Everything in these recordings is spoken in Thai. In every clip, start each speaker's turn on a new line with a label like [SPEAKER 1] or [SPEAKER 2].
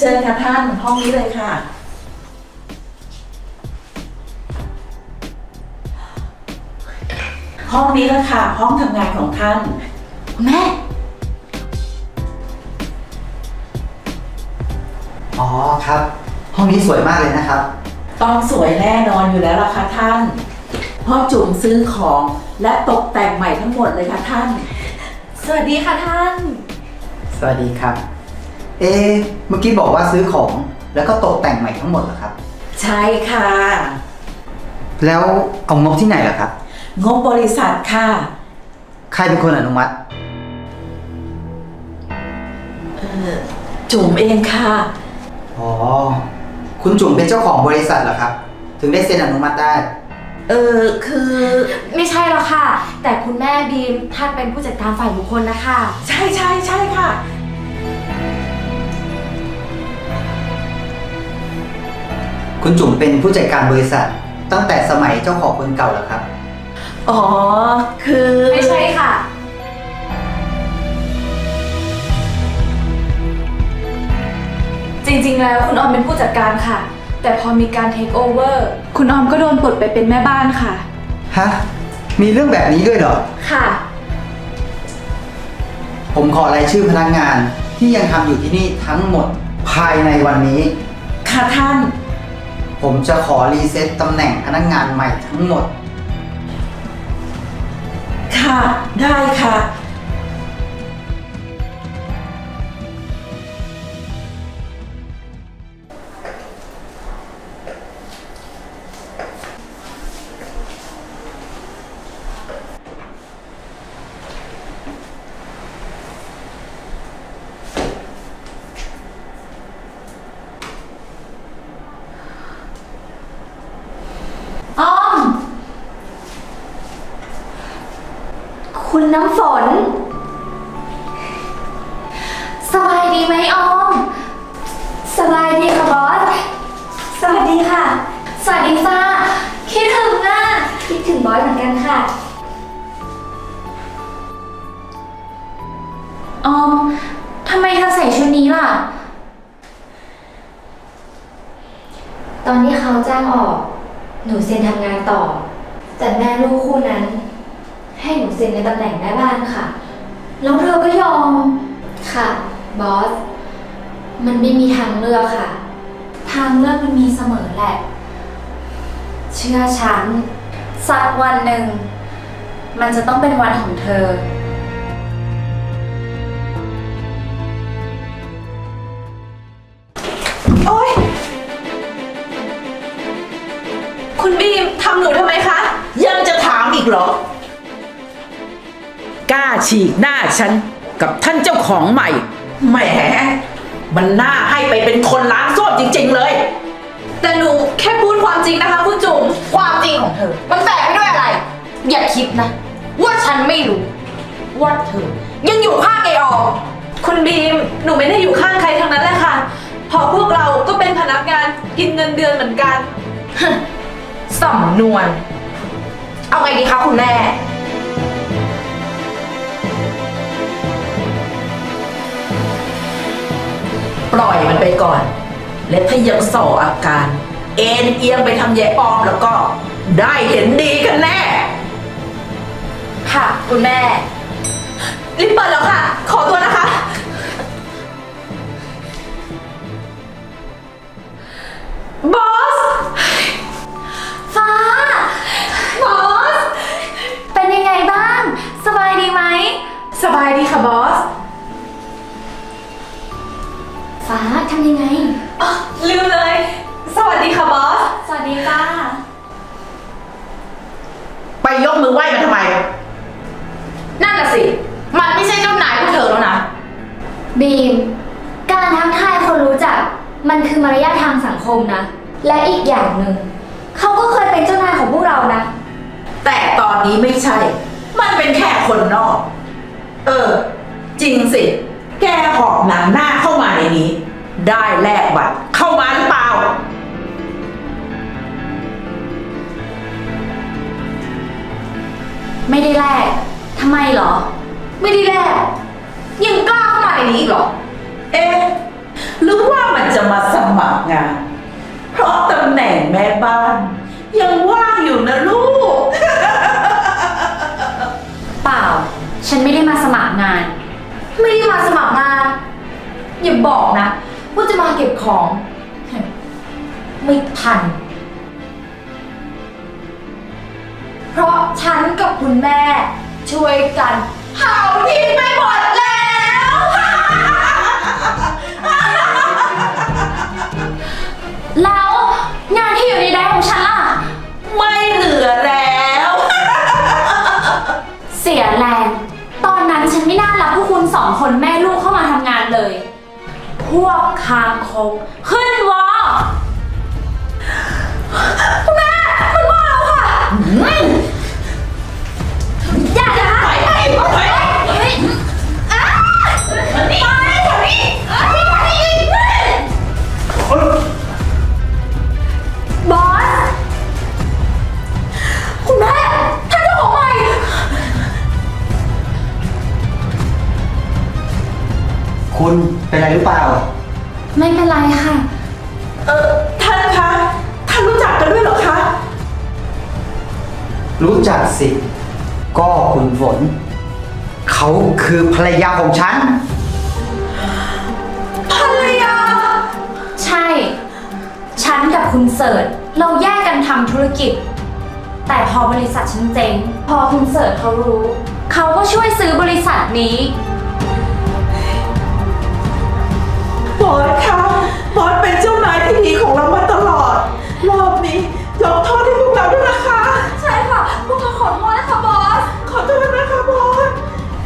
[SPEAKER 1] ชิญค่ะท่านห้องนี้เลยค่ะห้องนี้ละค่ะห้องทำงานของท่าน
[SPEAKER 2] แม่
[SPEAKER 3] อ๋อครับ ห้องนี้สวยมากเลยนะครับ
[SPEAKER 1] ต้องสวยแน่นอนอยู่แล้วล่ะค่ะท่านพ่อจุ๋มซื้อของและตกแต่งใหม่ทั้งหมดเลยค่ะท่าน
[SPEAKER 2] สวัสดีค่ะท่าน
[SPEAKER 3] สวัสดีครับ เมื่อกี้บอกว่าซื้อของแล้วก็ตกแต่งใหม่ทั้งหมดเหรอครับ
[SPEAKER 1] ใช่ค่ะ
[SPEAKER 3] แล้วเอางบที่ไหนล่ะครับ
[SPEAKER 1] งบบริษัทค่ะ
[SPEAKER 3] ใครเป็นคนอนุมัติ
[SPEAKER 1] จุ๋มเองค่ะ
[SPEAKER 3] อ๋อ คุณจุ๋มเป็นเจ้าของบริษัทเหรอครับ ถึงได้เซ็นอนุมัติได้
[SPEAKER 1] คือ
[SPEAKER 2] ไม่ใช่หรอกค่ะ แต่คุณแม่บีมท่านเป็นผู้จัดการฝ่ายบุคคลนะคะ
[SPEAKER 1] ใช่ค่ะ
[SPEAKER 3] คุณจุ๋มเป็นผู้จัดการบริษัท ตั้งแต่สมัยเจ้าของคนเก่าเหรอครับ
[SPEAKER 1] อ๋อคือ
[SPEAKER 2] ไม่ใช่ค่ะ จริงๆแล้วคุณออมเป็นผู้จัดการค่ะ แต่พอมีการเทคโอเวอร์คุณออมก็โดนปลดไปเป็นแม่บ้านค่ะ
[SPEAKER 3] ฮะ มีเรื่องแบบนี้ด้วยเหรอ
[SPEAKER 2] ค่ะ
[SPEAKER 3] ผมขอรายชื่อพนักงานที่ยังทำอยู่ที่นี่ทั้งหมดภายในวันนี้
[SPEAKER 1] ค่ะท่าน
[SPEAKER 3] ผมจะขอรีเซ็ตตำแหน่งพนักงานใหม่ทั้งหมด
[SPEAKER 1] ค่ะได้ค่ะ
[SPEAKER 2] ออม คุณน้ำฝน สบายดีไหมออม สบายดีค่ะบอส สวัสดีค่ะ สวัสดีจ้าคิดถึงอ่ะคิดถึงบอสเหมือนกันค่ะ ออม ทำไมเธอใส่ชุดนี้ล่ะ ตอนที่เขาจ้างออก หนูเซ็นทำงานต่อ แต่แม่ลูกคู่นั้น ให้หนูเซ็นในตำแหน่งแม่บ้านค่ะ แล้วเธอก็ยอม ค่ะ บอส มันไม่มีทางเลือกค่ะ ทางเลือกมันมีเสมอแหละ เชื่อฉัน สักวันหนึ่ง มันจะต้องเป็นวันของเธอ
[SPEAKER 1] โอ๊ยคุณบีมทำหนูทำไมคะ ยังจะถามอีกเหรอ กล้าฉีกหน้าฉันกับท่านเจ้าของใหม่ แหม มันน่าให้ไปเป็นคนล้างส้วมจริงๆเลย
[SPEAKER 2] แต่หนูแค่พูดความจริงนะคะคุณจุ๋ม
[SPEAKER 4] ความจริงของเธอ มันแฝงไปด้วยอะไร อย่าคิดนะ ว่าฉันไม่รู้ ว่าเธอ ยังอยู่ข้างไอออม
[SPEAKER 2] คุณบีม หนูไม่ได้อยู่ข้างใครทั้งนั้นแหละค่ะเพราะพวกเราก็เป็นพนักงานกินเงินเดือนเหมือนกัน
[SPEAKER 4] สำนวน เอาไงดีคะคุณแม่
[SPEAKER 1] ปล่อยมันไปก่อน และถ้ายังส่ออาการ เอ็นเอียงไปทำแย่ปลอมแล้วก็ ได้เห็นดีกันแน่
[SPEAKER 4] ค่ะ คุณแม่
[SPEAKER 2] รีบเปิดแล้วค่ะ ขอตัวนะคะ บอส ฟ้า บอส เป็นยังไงบ้าง สบายดีไหม สบายดีค่ะบอส
[SPEAKER 5] ฟ้าทำยังไง
[SPEAKER 2] อ๋อลืมเลย สวัสดีค่ะบอส
[SPEAKER 5] สวัสดีจ้า
[SPEAKER 1] ไปยกมือไหว้มันทำไม
[SPEAKER 4] นั่นน่ะสิ มันไม่ใช่เจ้านายพวกเธอแล้วนะ
[SPEAKER 5] บีม การทักทายคนรู้จัก มันคือมารยาททางสังคมนะ และอีกอย่างหนึ่ง เขาก็เคยเป็นเจ้านายของพวกเรานะ
[SPEAKER 1] แต่ตอนนี้ไม่ใช่ มันเป็นแค่คนนอก จริงสิ แกหอบหนังหน้าเข้ามาในนี้ ได้แลกบัตรเข้ามาหรือเปล่า
[SPEAKER 5] ไม่ได้แลกทำไมเหรอ
[SPEAKER 4] ไม่ได้แลกยังกล้าเข้ามาในนี้อีกเหรอ
[SPEAKER 1] เอ๊ะหรือว่ามันจะมาสมัครงาน เพราะตำแหน่งแม่บ้าน ยังว่างอยู่นะลูก
[SPEAKER 2] เปล่า ฉันไม่ได้มาสมัครงาน
[SPEAKER 4] ไม่ได้มาสมัครงาน อย่าบอกนะว่าจะมาเก็บของ ไม่ทัน เพราะฉันกับคุณแม่ช่วยกันเผาทิ้งไปหมดแล้ว
[SPEAKER 2] แล้วงานที่อยู่ในแดนของฉันล่ะ
[SPEAKER 1] ไม่เหลือแล้ว
[SPEAKER 2] เสียแรง ตอนนั้นฉันไม่น่ารับพวกคุณสองคนแม่ลูกเข้ามาทำงานเลย พวกคางคกขึ้นวอคุณแม่มันว่าเราค่ะอย่านะไปบอส คุณแม่ท่านเจ้าของใหม่
[SPEAKER 3] คุณเป็นอะไรหรือเปล่า
[SPEAKER 2] ไม่เป็นไรค่ะ
[SPEAKER 1] ท่านคะ ท่านรู้จักกันด้วยเหรอคะ
[SPEAKER 3] รู้จักสิ ก็คุณฝน เขาคือภรรยาของฉัน
[SPEAKER 2] ภรรยา ใช่ ฉันกับคุณเสิร์ชเราแยกกันทำธุรกิจ แต่พอบริษัทฉันเจ๊ง พอคุณเสิร์ชเขารู้ เขาก็ช่วยซื้อบริษัทนี้
[SPEAKER 1] บอสคะบอสเป็นเจ้านายที่ดีของเรามาตลอด รอบนี้ยกโทษให้พวกเราด้วยนะคะ
[SPEAKER 2] ใช่ค่ะ พวกเราขอโทษนะคะบอส
[SPEAKER 1] ขอโทษนะคะบอส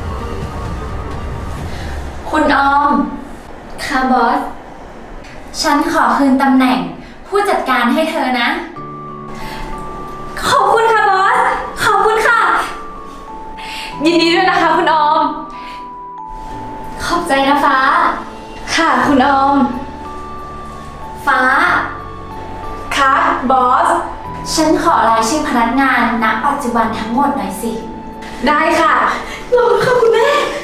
[SPEAKER 2] คุณออม ค่ะบอส ฉันขอคืนตำแหน่งผู้จัดการให้เธอนะ ขอบคุณค่ะบอส ขอบคุณค่ะ ยินดีด้วยนะคะคุณออม ขอบใจนะฟ้า ค่ะคุณออม ฟ้า ค่ะบอส ฉันขอรายชื่อพนักงานณปัจจุบันทั้งหมดหน่อยสิ ได้ค่ะรอค่ะคุณแม่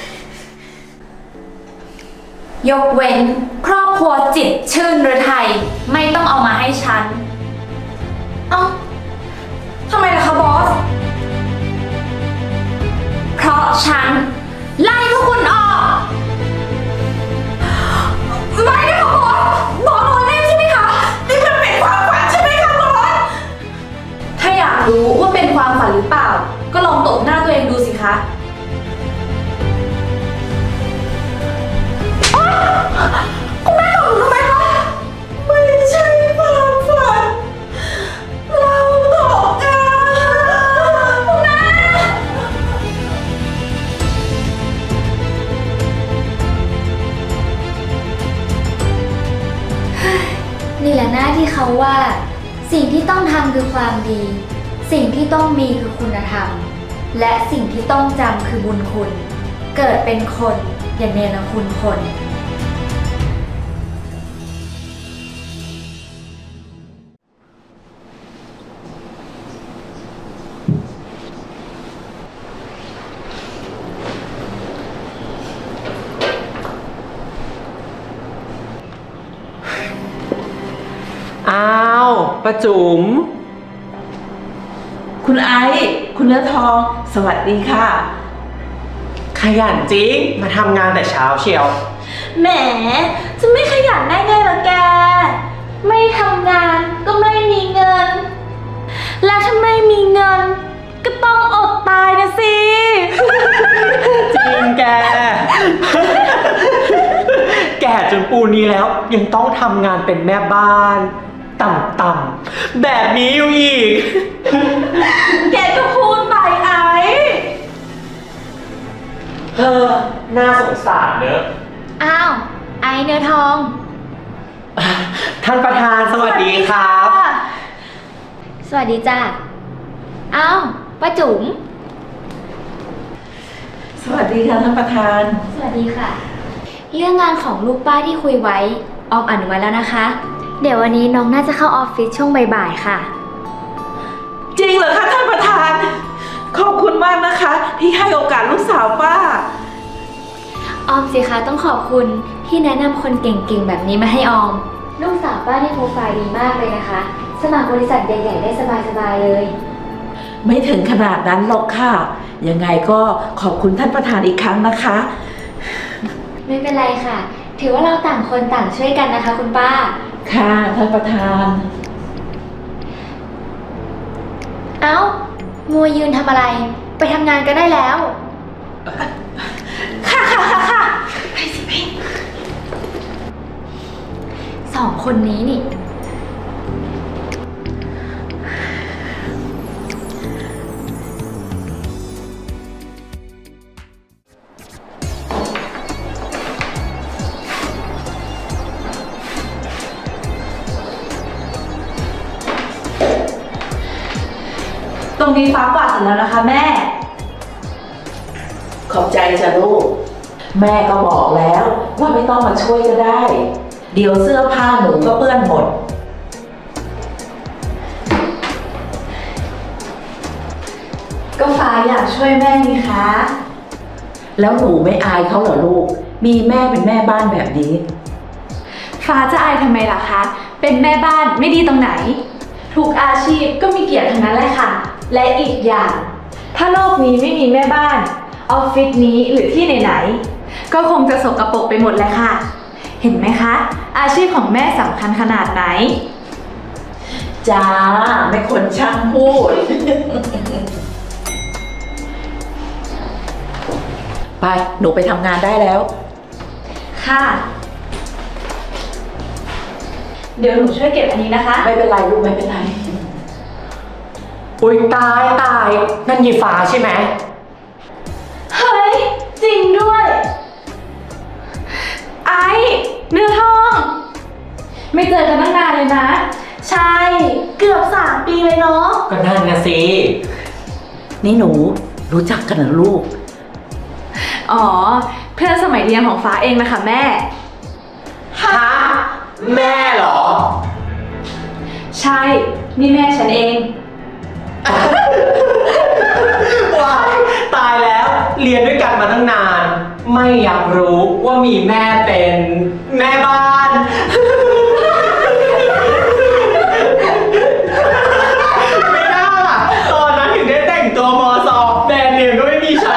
[SPEAKER 2] ยกเว้นครอบครัวจิตรชื่นฤทัยไม่ต้องเอามาให้ฉัน
[SPEAKER 4] เอ้าทำไมล่ะคะบอส
[SPEAKER 2] เพราะฉันไล่พวกคุณออก
[SPEAKER 4] ไม่นะคะบอส บอสโดนเล่นใช่ไหมคะ
[SPEAKER 1] นี่มันเป็นความฝันใช่ไหมคะบอส
[SPEAKER 4] ถ้าอยากรู้ว่าเป็นความฝันหรือเปล่า ก็ลองตบหน้าตัวเองดูสิคะ
[SPEAKER 1] คุณแม่ตอบหนูทำไมคะ ไม่ใช่ความฝัน เราตกงานคุณแม่
[SPEAKER 5] นี่แหละหน้าที่เขาว่า สิ่งที่ต้องทำคือความดี สิ่งที่ต้องมีคือคุณธรรม และสิ่งที่ต้องจำคือบุญคุณ เกิดเป็นคนอย่าเนรคุณคน
[SPEAKER 6] อ้าวป้าจุ๋ม
[SPEAKER 1] คุณไอซ์คุณเนื้อทอง สวัสดีค่ะ
[SPEAKER 6] ขยันจริง มาทำงานแต่เช้าเชียว
[SPEAKER 2] แหม จะไม่ขยันได้ไงล่ะแก ไม่ทำงานก็ไม่มีเงิน และถ้าไม่มีเงิน ก็ต้องอดตายนะสิ
[SPEAKER 6] จริงแก แก่จนปูนนี้แล้ว ยังต้องทำงานเป็นแม่บ้าน ต่ำๆแบบนี้อยู่อีก
[SPEAKER 2] แกก็พูดไปไอ้
[SPEAKER 6] เธอน่าสงสารเนอะ
[SPEAKER 5] อ้าว ไอเนื้อทอง
[SPEAKER 6] ท่านประธานสวัสดีครับ
[SPEAKER 5] สวัสดีจ้าอ้าวป้าจุ๋ม
[SPEAKER 1] สวัสดีค่ะท่านประธาน
[SPEAKER 5] สวัสดีค่ะ เรื่องงานของลูกป้าที่คุยไว้ ออมอนุมัติแล้วนะคะ เดี๋ยววันนี้น้องน่าจะเข้าออฟฟิศช่วงบ่ายๆค่ะ
[SPEAKER 1] จริงเหรอคะท่านประธาน ขอบคุณมากนะคะ ที่ให้โอกาสลูกสาวป้า
[SPEAKER 5] ออมสิคะต้องขอบคุณที่แนะนำคนเก่งๆแบบนี้มาให้ออม ลูกสาวป้านี่โปรไฟล์ดีมากเลยนะคะ สมัครบริษัทใหญ่ๆได้สบายๆเลย
[SPEAKER 1] ไม่ถึงขนาดนั้นหรอกค่ะ ยังไงก็ขอบคุณท่านประธานอีกครั้งนะคะ
[SPEAKER 5] ไม่เป็นไรค่ะ ถือว่าเราต่างคนต่างช่วยกันนะคะคุณป้า
[SPEAKER 1] ค่ะท่านประธาน
[SPEAKER 5] เอ้า มัวยืนทำอะไร ไปทำงานก็ได้แล้ว
[SPEAKER 1] ค่ะ
[SPEAKER 5] ไปสิไปสองคนนี้นี่
[SPEAKER 1] ตรงนี้ฟ้ากวาดเสร็จแล้วนะคะแม่ ขอบใจจ้ะลูก แม่ก็บอกแล้วว่าไม่ต้องมาช่วยก็ได้ เดี๋ยวเสื้อผ้าหนูก็เปื้อนหมด ก็ฟ้าอยากช่วยแม่นี่คะ แล้วหนูไม่อายเขาเหรอลูก มีแม่เป็นแม่บ้านแบบนี้
[SPEAKER 7] ฟ้าจะอายทำไมล่ะคะ เป็นแม่บ้านไม่ดีตรงไหน ทุกอาชีพก็มีเกียรติทั้งนั้นแหละค่ะ และอีกอย่าง ถ้าโลกนี้ไม่มีแม่บ้าน ออฟฟิศนี้หรือที่ไหนๆ ก็คงจะสกปรกไปหมดแหละค่ะ เห็นไหมคะ อาชีพของแม่สำคัญขนาดไหน
[SPEAKER 1] จ้าไม่คนช่างพูด ไปหนูไปทำงานได้แล้ว
[SPEAKER 7] ค่ะ เดี๋ยวหนูช่วยเก็บอันนี้นะคะ
[SPEAKER 1] ไม่เป็นไรลูกไม่เป็นไร
[SPEAKER 6] อุ๊ยตายนั่นยีฟ้าใช่ไหม
[SPEAKER 7] เฮ้ย จริงด้วย ไอ้เนื้อทอง ไม่เจอกันตั้งนานเลยนะ ใช่ เกือบ3 ปีเลยเนาะ
[SPEAKER 6] ก็นั่นนะสิ
[SPEAKER 1] นี่หนูรู้จักกันเหรอลูก
[SPEAKER 7] อ๋อ เพื่อนสมัยเรียนของฟ้าเองนะคะแม่
[SPEAKER 6] ฮะ แม่เหรอ
[SPEAKER 7] ใช่ นี่แม่ฉันเอง
[SPEAKER 6] ว้ายตายแล้วเรียนด้วยกันมาตั้งนาน ไม่อยากรู้ว่ามีแม่เป็นแม่บ้าน ไม่น่าล่ะตอนนั้นถึงได้แต่งตัวมอสอบแบรนด์เนมก็ไม่มีใช้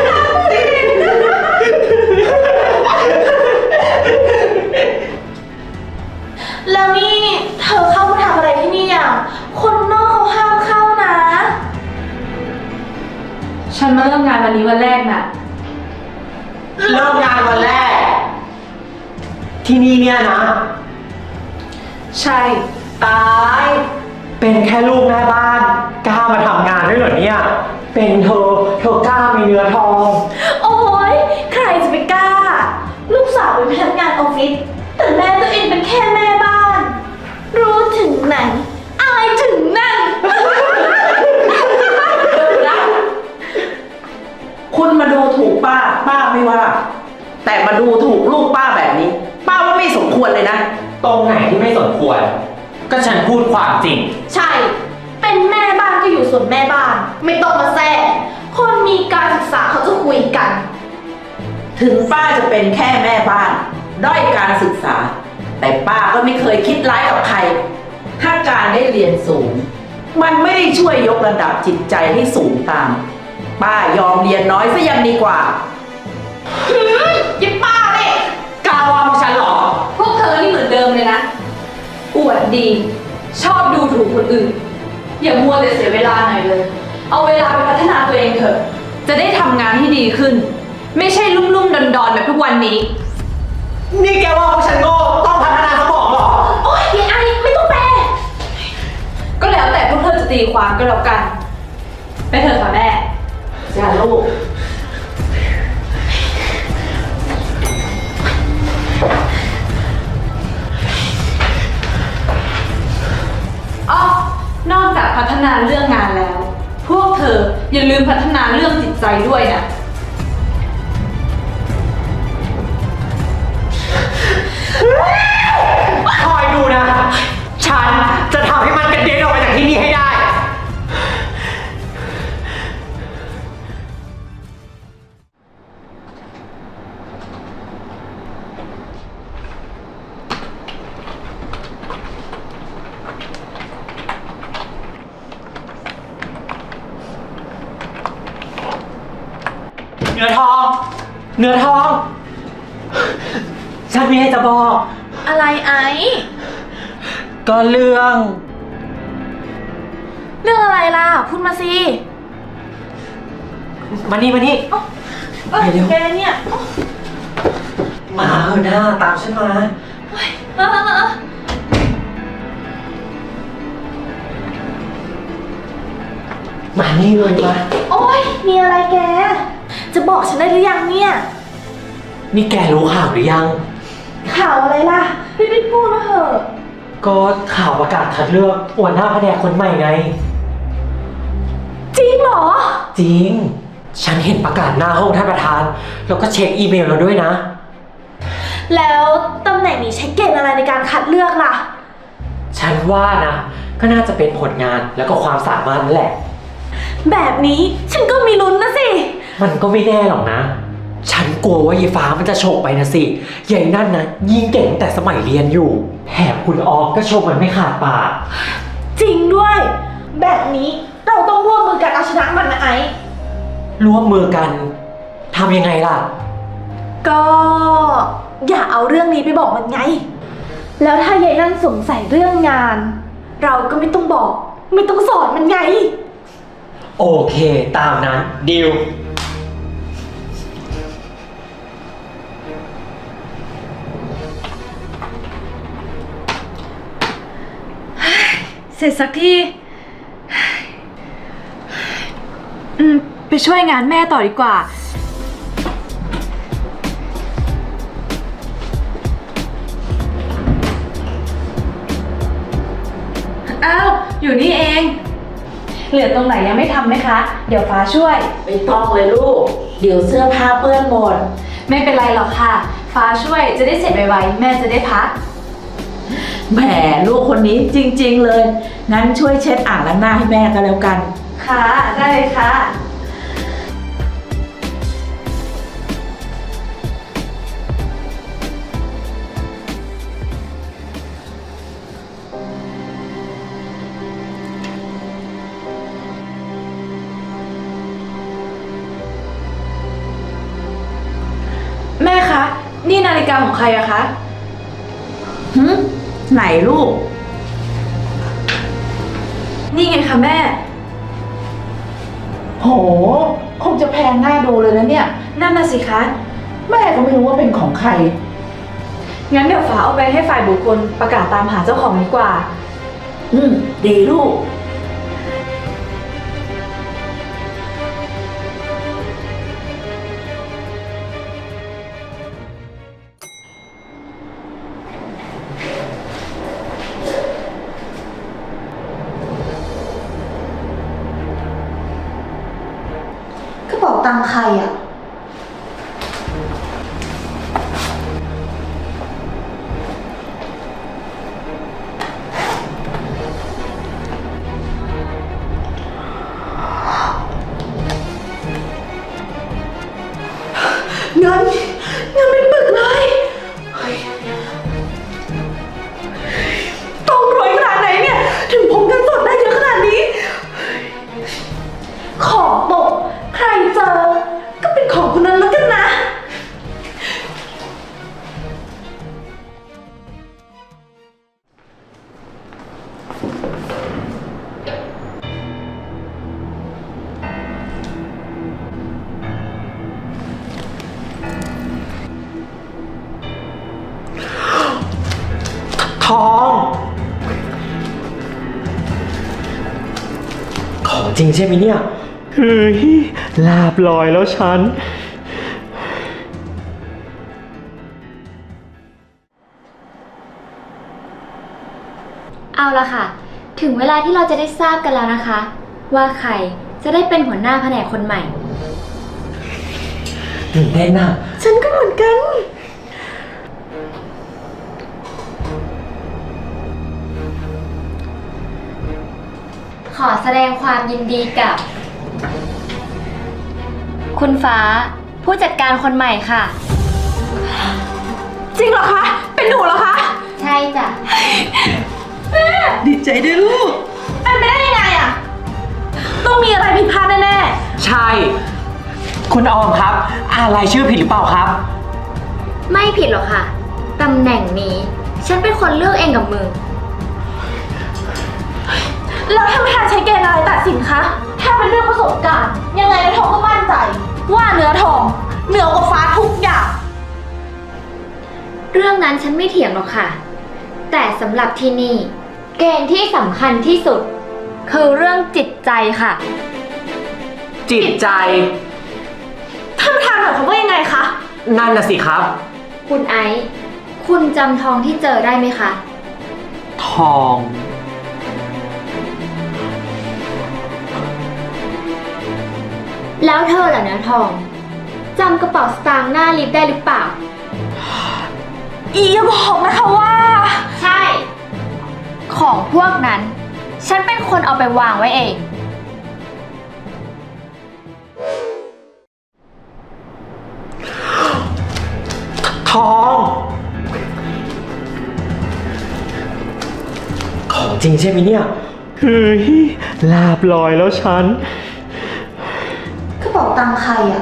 [SPEAKER 7] แล้วนี่เธอเข้ามาทำอะไรที่นี่อ่ะ คนนอกเขาห้ามเข้านะ ฉันมาเริ่มงานวันนี้วันแรกน่ะ
[SPEAKER 6] เริ่มงานวันแรก ที่นี่เนี่ยนะ
[SPEAKER 7] ใช่
[SPEAKER 6] ตาย เป็นแค่ลูกแม่บ้านกล้ามาทำงานด้วยเหรอเนี่ย เป็นเธอกล้ามีเนื้อทอง
[SPEAKER 7] โอ้ยใครจะไปกล้า ลูกสาวเป็นพนักงานออฟฟิศ แต่แม่ตัวเองเป็นแค่แม่บ้าน รู้ถึงไหน อายถึงนั่น
[SPEAKER 1] คุณมาดูถูกป้าไม่ว่า แต่มาดูถูกลูกป้าแบบนี้ ป้าว่าไม่สมควรเลยนะ
[SPEAKER 6] ตรงไหนที่ไม่สมควร ก็ฉันพูดความจริง
[SPEAKER 7] ใช่ เป็นแม่บ้านก็อยู่ส่วนแม่บ้าน ไม่ต้องมาแทรกคนมีการศึกษาเขาจะคุยกัน
[SPEAKER 1] ถึงป้าจะเป็นแค่แม่บ้าน ด้อยการศึกษา แต่ป้าก็ไม่เคยคิดร้ายกับใคร ถ้าการได้เรียนสูง มันไม่ได้ช่วยยกระดับจิตใจให้สูงตาม ป้ายอมเรียนน้อยซะยังดีกว่า
[SPEAKER 7] ยิบป้าเนี่ย
[SPEAKER 6] กล้าว่าพวกฉันเหรอ
[SPEAKER 7] พวกเธอนี่เหมือนเดิมเลยนะ อวดดี ชอบดูถูกคนอื่น อย่ามัวแต่เสียเวลาหน่อยเลย เอาเวลาไปพัฒนาตัวเองเถอะ จะได้ทำงานที่ดีขึ้น ไม่ใช่ลุ่มๆดอนๆแบบทุกวันนี้
[SPEAKER 6] นี่แกว่าพวกฉันโง่ต้องพัฒนาสมองเหรอ
[SPEAKER 7] โอ๊ยไอ้ไม่ต้องแปล ก็แล้วแต่พวกเธอจะตีความก็แล้วกัน ไปเถอะค่ะแม่
[SPEAKER 1] จ้าลูก
[SPEAKER 7] อ๋อนอกจากพัฒนาเรื่องงานแล้ว พวกเธออย่าลืมพัฒนาเรื่องจิตใจด้วยนะ
[SPEAKER 6] คอยดูนะ ฉันจะทำให้มันกระเด็นออกไปจากที่นี่ให้ได้เนื้อทอง เนื้อทอง ฉันมีอะไรจะบอก
[SPEAKER 7] อะไรไอ้
[SPEAKER 6] ก็เรื่อง
[SPEAKER 7] เรื่องอะไรล่ะ พูดมาสิ
[SPEAKER 6] มานี่มานี่ไปเร็ว
[SPEAKER 7] แกเนี่ย
[SPEAKER 6] มาเถอะหน้าตามฉันมา
[SPEAKER 7] เออ
[SPEAKER 6] มานี่เลยมา
[SPEAKER 7] โอ๊ย มีอะไรแก จะบอกฉันได้หรือยังเนี่ย
[SPEAKER 6] นี่แกรู้ข่าวหรือยัง
[SPEAKER 7] ข่าวอะไรล่ะรีบๆพูดมาเถอะ
[SPEAKER 6] ก็ข่าวประกาศคัดเลือกหัวหน้าแผนกคนใหม่ไง
[SPEAKER 7] จริงเหรอ
[SPEAKER 6] จริง ฉันเห็นประกาศหน้าห้องท่านประธาน แล้วก็เช็คอีเมลเราด้วยนะ
[SPEAKER 7] แล้วตำแหน่งนี้ใช้เกณฑ์อะไรในการคัดเลือกล่ะ
[SPEAKER 6] ฉันว่านะ ก็น่าจะเป็นผลงานแล้วก็ความสามารถนั่นแหละ
[SPEAKER 7] แบบนี้ฉันก็มีลุ้นนะสิ
[SPEAKER 6] มันก็ไม่แน่หรอกนะ ฉันกลัวว่ายายฟ้ามันจะฉกไปนะสิยายนั่นนะยิ่งเก่งตั้งแต่สมัยเรียนอยู่แถมคุณออมก็ชมมันไม่ขาดปาก
[SPEAKER 7] จริงด้วย แบบนี้เราต้องร่วมมือกันเอาชนะมันนะไอ้
[SPEAKER 6] ร่วมมือกันทำยังไงล่ะ
[SPEAKER 7] ก็อย่าเอาเรื่องนี้ไปบอกมันไง แล้วถ้ายายนั่นสงสัยเรื่องงาน เราก็ไม่ต้องบอก ไม่ต้องสอนมันไง
[SPEAKER 6] โอเคตามนั้นดิว
[SPEAKER 7] เสร็จสักที ไปช่วยงานแม่ต่อดีกว่า อ้าว อยู่นี่เอง เหลือตรงไหนยังไม่ทำไหมคะ เดี๋ยวฟ้าช่วย
[SPEAKER 1] ไม่ต้องเลยลูก เดี๋ยวเสื้อผ้าเปื้อนหมด
[SPEAKER 7] ไม่เป็นไรหรอกค่ะ ฟ้าช่วยจะได้เสร็จไวๆแม่จะได้พัก
[SPEAKER 1] แหมลูกคนนี้จริงๆเลย งั้นช่วยเช็ดอ่างล้างหน้าให้แม่ก็แล้วกัน
[SPEAKER 7] ค่ะ ได้เลยค่ะ แม่คะ นี่นาฬิกาของใครอะคะ
[SPEAKER 1] ไหนลูก
[SPEAKER 7] นี่ไงคะแม่
[SPEAKER 1] โห คงจะแพงน่าดูเลยนะเนี่ย
[SPEAKER 7] นั่นน่ะสิคะ
[SPEAKER 1] แม่ก็ไม่รู้ว่าเป็นของใคร
[SPEAKER 7] งั้นเดี๋ยวฟ้าเอาไปให้ฝ่ายบุคคลประกาศตามหาเจ้าของดีกว่า
[SPEAKER 1] ดีลูก
[SPEAKER 2] กระเป๋าตังค์ใครอ่ะ
[SPEAKER 7] เงินเป็นปึกเลยต้องรวยขนาดไหนเนี่ย ถึงพกเงินสดได้เยอะขนาดนี้ ของตก ใครเจอ ก็เป็นของคนนั้นแล้วกันนะ
[SPEAKER 6] ทอง ของจริงใช่ไหมเนี่ย เฮ้ย ลาบลอยแล้วฉัน
[SPEAKER 5] เอาละค่ะ ถึงเวลาที่เราจะได้ทราบกันแล้วนะคะ ว่าใครจะได้เป็นหัวหน้าแผนกคนใหม่
[SPEAKER 6] ตื่นเต้นน่ะ
[SPEAKER 7] ฉันก็เหมือนกัน
[SPEAKER 5] ขอแสดงความยินดีกับ คุณฟ้า ผู้จัดการคนใหม่ค่ะ
[SPEAKER 7] จริงเหรอคะ เป็นหนูเหรอคะ
[SPEAKER 5] ใช่จ้ะ
[SPEAKER 1] ดีใจด้วยลูก
[SPEAKER 7] เป็นไปได้ยังไงอะต้องมีอะไรผิดพลาดแน่
[SPEAKER 6] ใช่คุณออมครับ อ่านรายชื่อผิดหรือเปล่าครับ
[SPEAKER 5] ไม่ผิดหรอกค่ะ ตำแหน่งนี้ ฉันเป็นคนเลือกเองกับมือ
[SPEAKER 7] แล้วท่านประธานใช้เกณฑ์อะไรตัดสินคะ ถ้าเป็นเรื่องประสบการณ์ ยังไงเนื้อทองก็มั่นใจ ว่าเนื้อทองเหนือกว่าฟ้าทุกอย่าง
[SPEAKER 5] เรื่องนั้นฉันไม่เถียงหรอกค่ะ แต่สำหรับที่นี่ เกณฑ์ที่สำคัญที่สุด คือเรื่องจิตใจค่ะ
[SPEAKER 6] จิตใจ
[SPEAKER 7] ท่านประธานหมายความว่ายังไงคะ
[SPEAKER 6] นั่นน่ะสิครับ
[SPEAKER 5] คุณไอซ์คุณจำทองที่เจอได้ไหมคะ
[SPEAKER 6] ทอง
[SPEAKER 5] แล้วเธอล่ะเนื้อทองจำกระเป๋าสตางค์หน้าลิฟต์ได้หรือเปล่า
[SPEAKER 7] อย่าบอกนะคะว่า
[SPEAKER 5] ใช่ ของพวกนั้น ฉันเป็นคนเอาไปวางไว้เอง
[SPEAKER 6] ทอง ของจริงใช่ไหมเนี่ย เฮ้ย ลาบลอยแล้วฉัน
[SPEAKER 7] กระเป๋าตังค์ใครอะ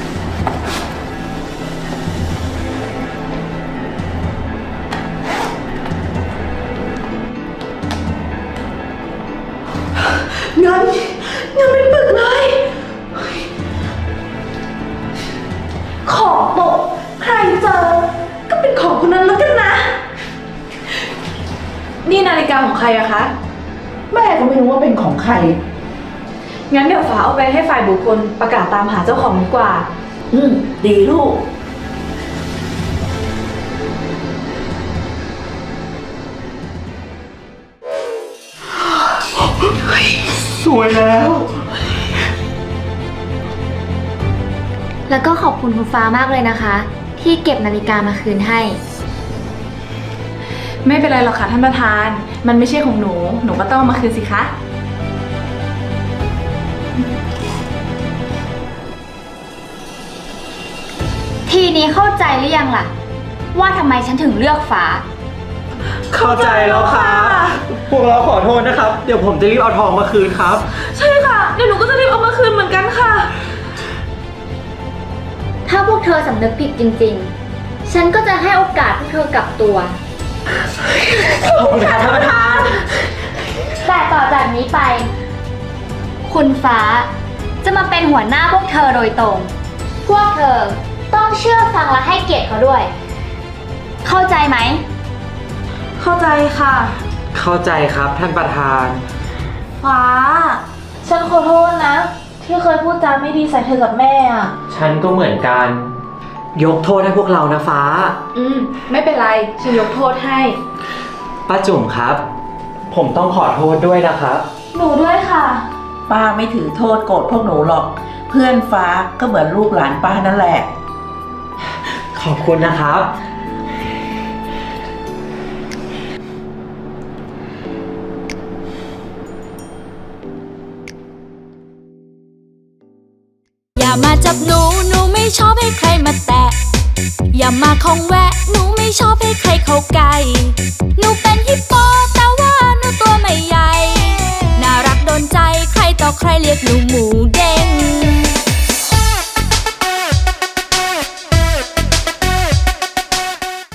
[SPEAKER 7] เงินเป็นปึกเลยของตกใครเจอ ก็เป็นของคนนั้นแล้วกันนะ นี่นาฬิกาของใครอะคะ
[SPEAKER 1] แม่ก็ไม่รู้ว่าเป็นของใคร
[SPEAKER 7] งั้นเดี๋ยวฟ้าเอาไปให้ฝ่ายบุคคลประกาศตามหาเจ้าของดีกว่า
[SPEAKER 1] ดีลูก
[SPEAKER 6] สวยแล้ว
[SPEAKER 5] แล้วก็ขอบคุณคุณฟ้ามากเลยนะคะ ที่เก็บนาฬิกามาคืนให้
[SPEAKER 7] ไม่เป็นไรหรอกค่ะท่านประธาน มันไม่ใช่ของหนู หนูก็ต้องเอามาคืนสิคะ
[SPEAKER 5] ทีนี้เข้าใจหรือยังล่ะ ว่าทำไมฉันถึงเลือกฟ้า
[SPEAKER 6] เข้าใจแล้วครับ พวกเราขอโทษนะครับ เดี๋ยวผมจะรีบเอาทองมาคืนครับ
[SPEAKER 7] ใช่ค่ะ เดี๋ยวหนูก็จะรีบเอามาคืนเหมือนกันค่ะ
[SPEAKER 5] ถ้าพวกเธอสำนึกผิดจริงๆ ฉันก็จะให้โอกาสพวกเธอกลับตัว
[SPEAKER 6] ขอบคุณค่ะท่านประธาน
[SPEAKER 5] แต่ต่อจากนี้ไป คุณฟ้าจะมาเป็นหัวหน้าพวกเธอโดยตรง พวกเธอต้องเชื่อฟังและให้เกียรติเขาด้วย เข้าใจไหม
[SPEAKER 7] เข้าใจค่ะ
[SPEAKER 6] เข้าใจครับท่านประธาน
[SPEAKER 7] ฟ้า ฉันขอโทษนะ ที่เคยพูดจาไม่ดีใส่เธอกับแม่อะ
[SPEAKER 6] ฉันก็เหมือนกัน ยกโทษให้พวกเรานะฟ้า
[SPEAKER 7] ไม่เป็นไร ฉันยกโทษให้
[SPEAKER 6] ป้าจุ๋มครับ ผมต้องขอโทษด้วยนะครับ
[SPEAKER 7] หนูด้วยค่ะ
[SPEAKER 1] ป้าไม่ถือโทษโกรธพวกหนูหรอก เพื่อนฟ้าก็เหมือนลูกหลานป้านั่นแหละ
[SPEAKER 6] ขอบคุณนะครับ
[SPEAKER 8] อย่ามาจับหนู หนูไม่ชอบให้ใครมาแตะ อย่ามาคองแวะ หนูไม่ชอบให้ใครเข้าใกล้ หนูเป็นฮิปโปแต่ว่าหนูตัวไม่ใหญ่ น่ารักโดนใจ ใครต่อใครเรียกหนูหมู